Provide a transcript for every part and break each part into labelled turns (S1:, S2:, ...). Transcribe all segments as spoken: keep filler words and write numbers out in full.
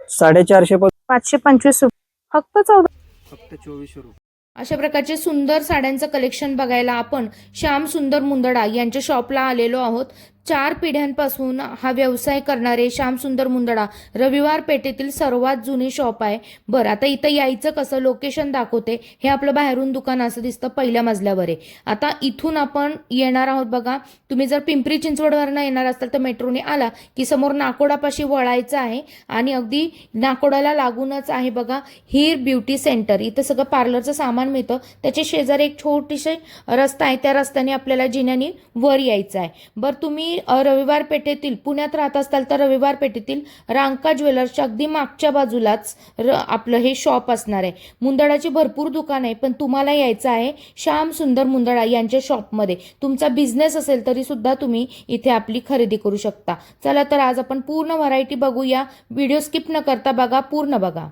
S1: साडेचारशे
S2: पाचशे पंचवीस रुपये फक्त चौदा
S1: फक्त चोवीसशे रुपये।
S3: अशा प्रकारचे सुंदर साड्यांचं कलेक्शन बघायला आपण श्याम सुंदर मुंदडा यांच्या शॉपला आलेलो आहोत। चार पिढ्यांपासून हा व्यवसाय करणारे श्याम सुंदर मुंदडा रविवार पेठेतील सर्वात जुने शॉप आहे। बरं, आता इथं यायचं कसं, लोकेशन दाखवते। हे आपलं बाहेरून दुकान असं दिसतं, पहिल्या मजल्यावर आहे। आता इथून आपण येणार आहोत बघा। तुम्ही जर पिंपरी चिंचवडवरनं येणार असाल तर मेट्रोने आला की समोर नाकोडापाशी वळायचं आहे आणि अगदी नाकोडाला लागूनच आहे बघा हीर ब्युटी सेंटर। इथं सगळं पार्लरचं सामान मिळतं। त्याच्या शेजारी एक छोटीशी रस्ता आहे, त्या रस्त्याने आपल्याला जिन्याने वर यायचं आहे। बरं, तुम्ही रविवार पेठेतील पुण्यात राहत असाल तर रविवार पेठेतील रांका ज्वेलर्सच्या अगदी मागच्या बाजूलाच आपलं हे शॉप असणार आहे। मुंदडाची भरपूर दुकान आहे, पण तुम्हाला यायचं आहे श्याम सुंदर मुंदडा यांच्या शॉपमध्ये। तुमचा बिझनेस असेल तरी सुद्धा तुम्ही इथे आपली खरेदी करू शकता। चला तर आज आपण पूर्ण व्हरायटी बघूया। व्हिडिओ स्किप न करता बघा, पूर्ण बघा।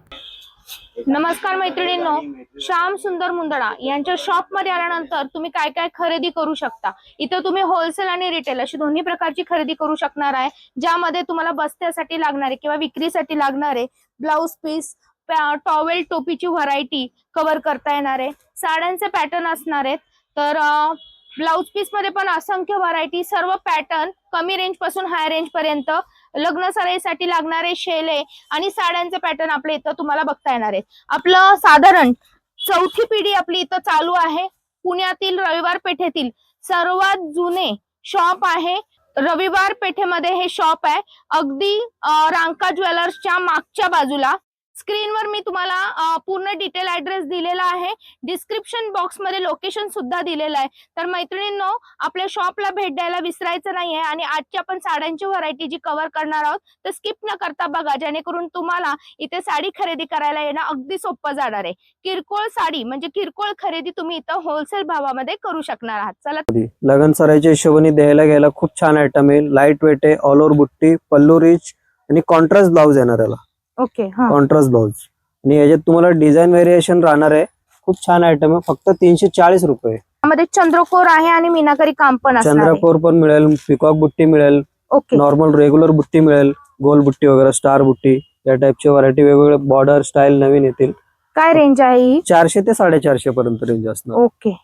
S2: नमस्कार मैत्रिणींनो, श्याम सुंदर मुंदडा यांच्या शॉप मध्ये आल्यानंतर तुम्ही काय काय खरेदी करू शकता। इथं तुम्ही होलसेल आणि रिटेल अशी दोन्ही प्रकारची खरेदी करू शकणार आहे, ज्यामध्ये तुम्हाला बस्त्यासाठी लागणारे किंवा विक्रीसाठी लागणारे ब्लाउज पीस, टॉवेल, टोपीची व्हरायटी कव्हर करता येणार आहे। साड्यांचे पॅटर्न असणार आहेत, तर ब्लाउज पीस मध्ये पण असंख्य व्हरायटी, सर्व पॅटर्न कमी रेंज पासून हाय रेंज पर्यंत, लग्न सराईसाठी लागणारे शेले आणि साड्यांचे पॅटर्न आपल्या इथं तुम्हाला बघता येणार आहेत। आपलं साधारण चौथी पिढी आपली इथं चालू आहे। पुण्यातील रविवार पेठेतील सर्वात जुने शॉप आहे। रविवार पेठेमध्ये हे शॉप आहे, अगदी रांका ज्वेलर्सच्या मागच्या बाजूला। स्क्रीनवर मी तुम्हाला पूर्ण डिटेल ऍड्रेस दिलेला आहे, डिस्क्रिप्शन बॉक्स मध्ये लोकेशन सुद्धा दिलेलं आहे। तर मैत्रिणींनो, आपल्या शॉपला भेट द्यायला विसरायचं नाहीये। आणि आजची आपण साड्यांची व्हरायटी जी कव्हर करणार आहोत तर स्किप न करता बघा, जेणेकरून तुम्हाला इथे साडी खरेदी करायला येणं अगदी सोपं जाणार आहे। किरकोळ साडी म्हणजे किरकोळ खरेदी तुम्ही इथं होलसेल भावामध्ये करू शकणार आहात। चला,
S1: लगन सराईच्या हिशोबाने द्यायला घ्यायला खूप छान आयटम आहे। लाईट वेट आहे, ऑल ओव्हर बुट्टी, पल्लू रिच आणि कॉन्ट्रास्ट ब्लाउज येणार याला।
S2: ओके, हा
S1: कॉन्ट्रास्ट ब्लाउज आणि याच्यात तुम्हाला डिझाईन व्हेरिएशन राहणार आहे। खूप छान आयटम आहे, फक्त तीनशे चाळीस रुपये।
S2: यामध्ये चंद्रकोर आहे आणि मीनाकारी काम पण असणार आहे।
S1: चंद्रकोर पण मिळेल, पिकॉक बुट्टी मिळेल,
S2: ओके,
S1: नॉर्मल रेग्युलर बुट्टी मिळेल, गोल बुट्टी वगैरे, स्टार बुट्टी, या टाइपची व्हरायटी वेगवेगळे बॉर्डर स्टाईल नवीन येतील।
S2: काय रेंज आहे ही?
S1: चारशे ते साडेचारशे पर्यंत रेंज असणार।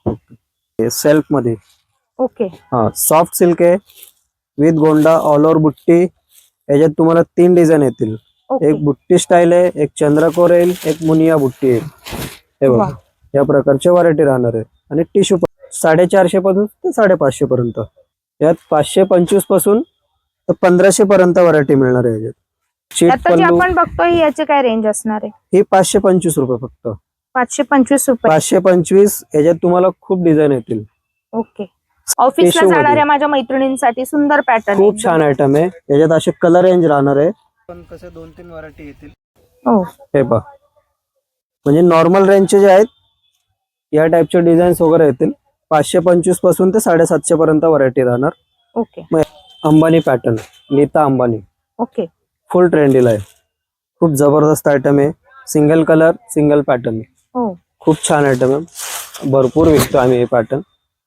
S2: ओके,
S1: सेल्फ मध्ये,
S2: ओके,
S1: हा सॉफ्ट सिल्क आहे विथ गोंडा, ऑल ओव्हर बुट्टी। याच्यात तुम्हाला तीन डिझाईन येतील, एक बुट्टी स्टाईल आहे, एक चंद्रकोर येईल, एक मुनिया बुट्टी येईल। हे बघा, या प्रकारच्या व्हरायटी राहणार आहे। आणि टिश्यू साडेचारशे पासून ते साडेपाचशे पर्यंत, यात पाचशे पंचवीस पासून तर पंधराशे पर्यंत व्हरायटी मिळणार आहे। याच्यात
S2: आता जे आपण बघतोय याचे काय रेंज असणार आहे?
S1: ही पाचशे पंचवीस रुपये फक्त,
S2: पाचशे पंचवीस रुपये
S1: पाचशे पंचवीस। याच्यात तुम्हाला खूप डिझाईन येतील।
S2: ओके, ऑफिसला जाणाऱ्या माझ्या मैत्रिणींसाठी सुंदर पॅटर्न,
S1: खूप छान आयटम आहे। याच्यात असे कलर रेंज राहणार आहे, पण कसं दोन तीन व्हरायटी येतील।
S2: हो,
S1: हे पहा, म्हणजे नॉर्मल रेंजचे जे आहेत या टाइपचे डिझाईन्स वगैरे येतील। पाचशे पंचवीस पासून ते साडेसातशे पर्यंत व्हरायटी राहणार।
S2: Okay,
S1: Ambani pattern, Nita Ambani,
S2: okay,
S1: full ट्रेंडीला आहे। खूप जबरदस्त आयटम आहे, सिंगल कलर सिंगल पॅटर्न,
S2: हो,
S1: खूप छान आयटम आहे, भरपूर विकतो आम्ही हे पॅटर्न।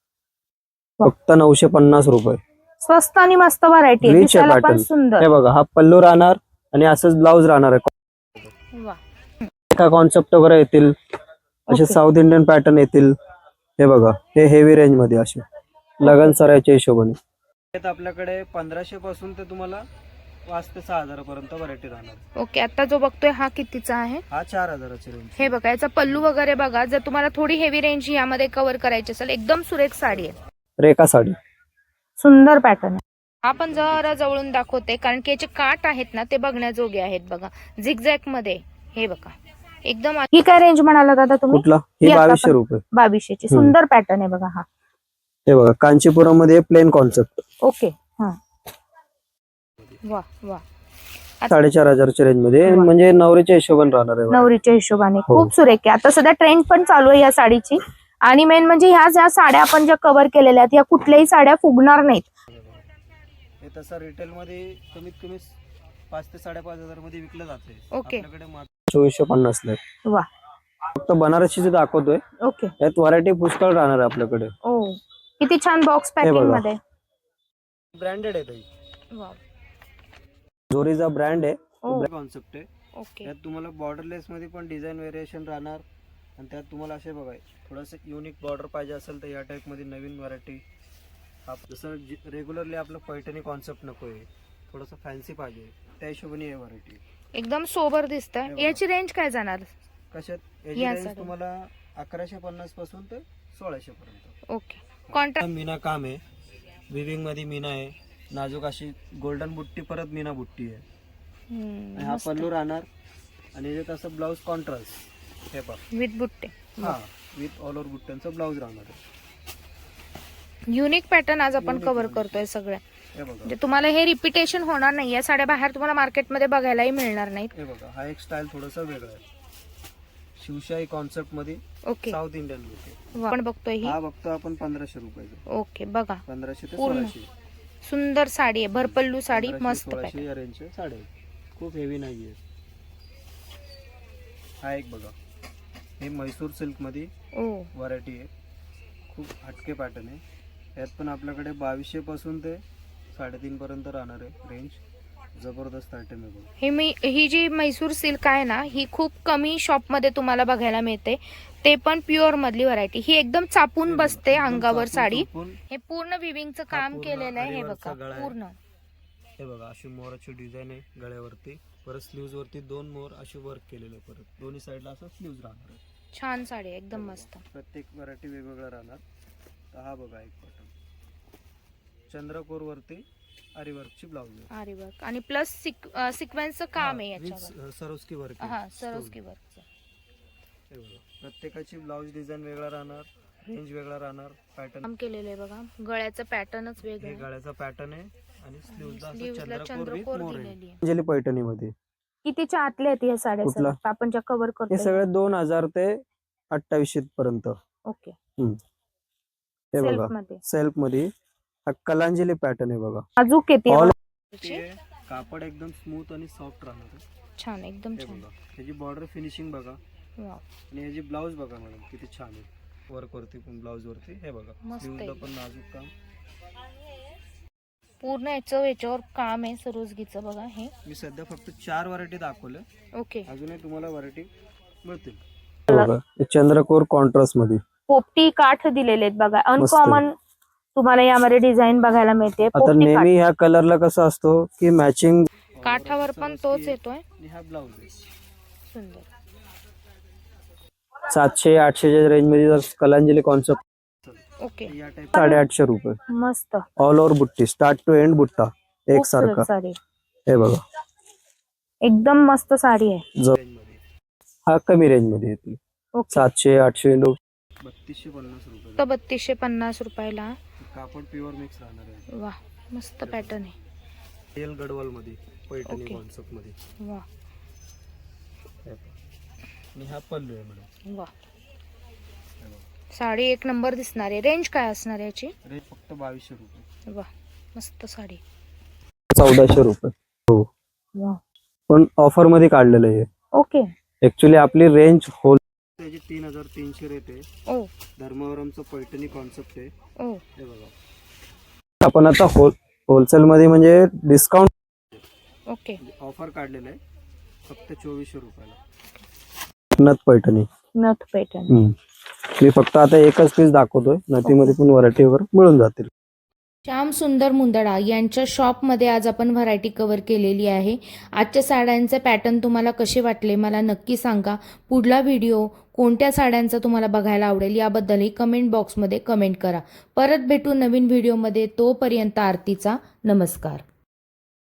S1: फक्त नऊशे पन्नास रुपये,
S2: स्वस्त आणि मस्त व्हरायटी,
S1: रिच आहे पॅटर्न।
S2: सुंदर,
S1: हे बघा, हा पल्लू राहणार आणि असंच ब्लाउज राहणार आहे।
S2: वा,
S1: एका कॉन्सेप्ट वगैरे येतील, असे साऊथ इंडियन पॅटर्न येतील। हे बघा, हे हेवी रेंज मध्ये असे लगन सरायच्या हिशोबाने आपल्याकडे पंधराशे पासून ते तुम्हाला पाच ते सहा हजार पर्यंत व्हरायटी राहणार।
S2: ओके, आता जो बघतोय हा कितीचा आहे?
S1: हा चार हजाराची रेंज।
S2: हे बघा, याचा पल्लू वगैरे बघा। जर तुम्हाला थोडी हेवी रेंज यामध्ये कव्हर करायची असेल, एकदम सुरेख साडी आहे,
S1: रेखा साडी,
S2: सुंदर पॅटर्न आहे। आपण जरा जवळून दाखवते, कारण की याचे काट आहेत ना ते बघण्याजोगे आहेत बघा, झिगझॅग मध्ये। हे बघा, एकदम। ही काय रेंज म्हणाला दादा तुम्ही?
S1: कुठला? ही बावीसशे रुपये,
S2: बावीसशे ची सुंदर पॅटर्न आहे बघा। हा,
S1: हे बघा, कांचीपुरम मध्ये प्लेन कॉन्सेप्ट।
S2: ओके, हा, वा वा,
S1: साडेचार हजारच्या रेंज मध्ये, म्हणजे नवरीच्या हिशोबाने राहणार आहे।
S2: नवरीच्या हिशोबाने खूप सुरेख आहे। आता सध्या ट्रेंड पण चालू आहे या साडीची। आणि मेन म्हणजे ह्या ज्या साड्या आपण ज्या कव्हर केलेल्या आहेत, या कुठल्याही साड्या फुगणार नाहीत।
S1: हे तसं रिटेल मध्ये कमीत कमी पाच ते साडेपाच हजार मध्ये विकलं जाते।
S2: ओके,
S1: चोवीसशे पन्नास ला।
S2: वा,
S1: फक्त बनारसीचे दाखवतोय।
S2: ओके,
S1: यात व्हरायटी पुष्कळ राहणार आहे आपल्याकडे।
S2: ओ, किती छान बॉक्स पॅकिंग मध्ये,
S1: ब्रँडेड आहे ताई,
S2: वाव,
S1: जोरीचा ब्रँड आहे,
S2: ओ.
S1: कॉन्सेप्ट आहे.
S2: ओके.
S1: त्यात तुम्हाला बॉर्डरलेस मध्ये पण डिझाईन व्हेरिएशन राहणार आणि त्यात तुम्हाला असे बघा थोडंसं युनिक बॉर्डर पाहिजे असेल तर या टाइप मध्ये नवीन व्हरायटी. जसं रेग्युलरली आपलं पैठणी कॉन्सेप्ट नको आहे, थोडंसं फॅन्सी पाहिजे त्या हिशोबाने हे व्हरायटी.
S2: एकदम सोबर दिसतंय.
S1: बघा.
S2: याची रेंज काय जाणार?
S1: कशात याची
S2: या
S1: रेंज
S2: साडी.
S1: तुम्हाला अकराशे पन्नास पासून ते सोळाशे पर्यंत.
S2: ओके. कॉन्ट्रास्ट.
S1: मीना काम आहे, विविंग मध्ये मीना आहे, नाजूक अशी गोल्डन बुट्टी परत मीना बुट्टी आहे. आणि हा पल्लू राहणार आणि याच्यात असं ब्लाऊज कॉन्ट्रास्ट हे पहा
S2: विथ बुट्टे.
S1: हा विथ ऑल ओव्हर बुट्ट्यांचा ब्लाऊज राहणार आहे.
S2: युनिक पॅटर्न आज आपण
S1: Unique
S2: कव्हर
S1: unique.
S2: करतोय सगळ्या.
S1: हे बघा
S2: म्हणजे तुम्हाला हे रिपिटेशन होणार नाही. या साड्या बाहेर तुम्हाला मार्केटमध्ये बघायलाही मिळणार नाहीत.
S1: हे बघा हा एक स्टाईल थोडासा वेगळा आहे, शिवशाही कॉन्सेप्ट मध्ये
S2: ओके.
S1: साऊथ इंडियन लुक आहे.
S2: आपण बघतोय ही.
S1: हा बघतो आपण पंधराशे रुपयाचा.
S2: ओके. बघा
S1: पंधराशे ते
S2: पूर्ण.
S1: सोळाशे.
S2: सुंदर साडी आहे, भरपल्लू साडी,
S1: पंधराशे,
S2: मस्त
S1: सोळाशे
S2: पॅटर्न.
S1: या रेंजच्या साड्या आहेत. खूप हेवी नाहीये. हा एक बघा हे म्हैसूर सिल्क मध्ये
S2: ओ.
S1: व्हरायटी आहे, खूप हटके पॅटर्न आहे. यात पण आपल्याकडे बावीसशे पासून ते साडेतीन पर्यंत राहणार आहे रेंज. जबरदस्त आयटम आहे बघा.
S2: ही मी ही जी म्हैसूर सिल्क आहे ना, ही खूप कमी शॉप मध्ये तुम्हाला बघायला मिळते, ते पण प्युअर मधली व्हरायटी. ही एकदम चापून बसते
S1: एकदम
S2: अंगावर
S1: चापून
S2: साडी.
S1: चोपून.
S2: हे पूर्ण विविंगचं
S1: हा
S2: काम
S1: पूर्ण
S2: केलेलं आहे. हे
S1: आरीवर्कचा
S2: बघा
S1: गळा आहे.
S2: पूर्ण.
S1: हे बघा अशी मोराची डिझाईन आहे गळ्यावरती, परत स्लीव्ज वरती दोन मोर अशी वर्क केलेलं आहे. परत दोन्ही साईडला असं स्लीव्ज राहणार आहे.
S2: छान साडी आहे, एकदम मस्त.
S1: प्रत्येक व्हरायटी वेगवेगळा राहणार. तर हा बघा एक पॅटर्न चंद्रकोर वरती आरीवर्कची ब्लाऊज आहे.
S2: आरी वर्क आणि प्लस सिक्वेन्सचं काम आहे याच्यावर.
S1: With Swarovski work.
S2: हा सरोस्की वर्कचं.
S1: हे बघा प्रत्येकाची ब्लाऊज डिझाईन वेगळा राहणार, रेंज वेगळा राहणार. पॅटर्न
S2: काम केलेलं आहे बघा. गळ्याचं पॅटर्नच
S1: हे
S2: वेगळं आहे.
S1: गळ्याचा पॅटर्न आहे आणि स्लीव्हजला असं
S2: स्लीव्हजला
S1: चंद्रकोर with
S2: चंद्रकोर
S1: मोर आहे.
S2: दिलेली आहे.
S1: अंजली पैठणी मध्ये
S2: कितीच्या आतल्या आहेत ह्या साड्या?
S1: कुठला?
S2: सगळ्या? आपण ज्या कव्हर
S1: हे
S2: करतो.
S1: सगळे दोन हजार ते अठ्ठावीसशे पर्यंत.
S2: ओके.
S1: हे
S2: सेल्फ
S1: बघा
S2: मध्ये
S1: सेल्फ मध्ये हा कलांजली पॅटर्न आहे बघा.
S2: अजून किती
S1: All-
S2: आहे?
S1: ते कापड एकदम स्मूथ आणि सॉफ्ट राहणार आहे.
S2: छान, एकदम
S1: हे
S2: छान.
S1: बघा त्याची बॉर्डर फिनिशिंग बघा
S2: वाव.
S1: आणि ह्याची ब्लाऊज बघा मॅडम किती छान आहे. वर्क वरती पण ब्लाऊज वरती हे बघा
S2: मस्त
S1: स्लीव्हजला
S2: आहे.
S1: पण नाजूक काम.
S2: पूर्ण याचं याच्यावर काम आहे सरोजगीचं बघा हे.
S1: मी सध्या फक्त चार व्हरायटी दाखवल्या,
S2: ओके.
S1: अजूनही तुम्हाला व्हरायटी मिळतील. चंद्रकोर कॉन्ट्रास्ट मध्ये
S2: पोपटी काठ दिलेले आहेत बघा.
S1: मस्त.
S2: अनकॉमन तुम्हाला यामध्ये डिझाईन बघायला मिळते.
S1: आता
S2: पोपटी काठ.
S1: नेहमी ह्या कलरला कसं असतो की मॅचिंग
S2: काठावर पण तोच येतोय.
S1: हा ब्लाऊज आहे.
S2: सुंदर.
S1: सातशे आठशेच्या रेंज मध्ये जर कलांजली कॉन्सेप्ट
S2: ओके.
S1: या टाइप साडेआठशे रुपये.
S2: मस्त.
S1: ऑल ओव्हर बुट्टी स्टार्ट टू एंड बुट्टा एक सारखा.
S2: खूपसूरत साडी.
S1: हे बघा
S2: एकदम मस्त साडी आहे.
S1: जो हा कमी रेंज मध्ये येते.
S2: ओके.
S1: सातशे आठशे लोक बत्तीसशे पन्नास रुपये.
S2: तर बत्तीसशे पन्नास रुपयाला.
S1: कापड प्युअर मिक्स राहणार आहे.
S2: वा मस्त पॅटर्न आहे.
S1: तेल गडवाल मध्ये पैठणी
S2: ओके.
S1: कॉन्सेप्ट मध्ये.
S2: वा
S1: हे बघा. आणि हा पल्लू आहे मॅडम.
S2: वा.
S1: हे बघा.
S2: साडी एक नंबर दिसणार आहे. रेंज काय असणार आहे याची?
S1: रेट फक्त बावीसशे रुपये.
S2: वा मस्त साडी.
S1: चौदाशे रुपये. हो
S2: वा.
S1: पण ऑफर मध्ये काढलेलं आहे.
S2: ओके.
S1: ऍक्च्युली आपली रेंज होल त्याची तीन हजार तीनशे रेट आहे.
S2: ओ.
S1: धर्मावरमचं पैठणी कॉन्सेप्ट आहे.
S2: ओ.
S1: हे बघा आपण आता होल होलसेल मध्ये म्हणजे डिस्काउंट
S2: ओके.
S1: ऑफर काढलेलं आहे फक्त चोवीसशे रुपयाला. नथ पैठणी.
S2: नथ पॅटर्न.
S1: हम्म. मी फक्त आता एकच पीस दाखवतोय, नथीमध्ये पण व्हरायटी वगैरे मिळून जातील.
S3: श्याम सुंदर मुंदडा यांच्या शॉपमध्ये आज आपण व्हरायटी कव्हर केलेली आहे. आजच्या साड्यांचे पॅटर्न तुम्हाला कसे वाटले मला नक्की सांगा. पुढला व्हिडिओ कोणत्या साड्यांचा तुम्हाला बघायला आवडेल याबद्दलही कमेंट बॉक्समध्ये कमेंट करा. परत भेटू नवीन व्हिडिओमध्ये. तोपर्यंत आरतीचा नमस्कार.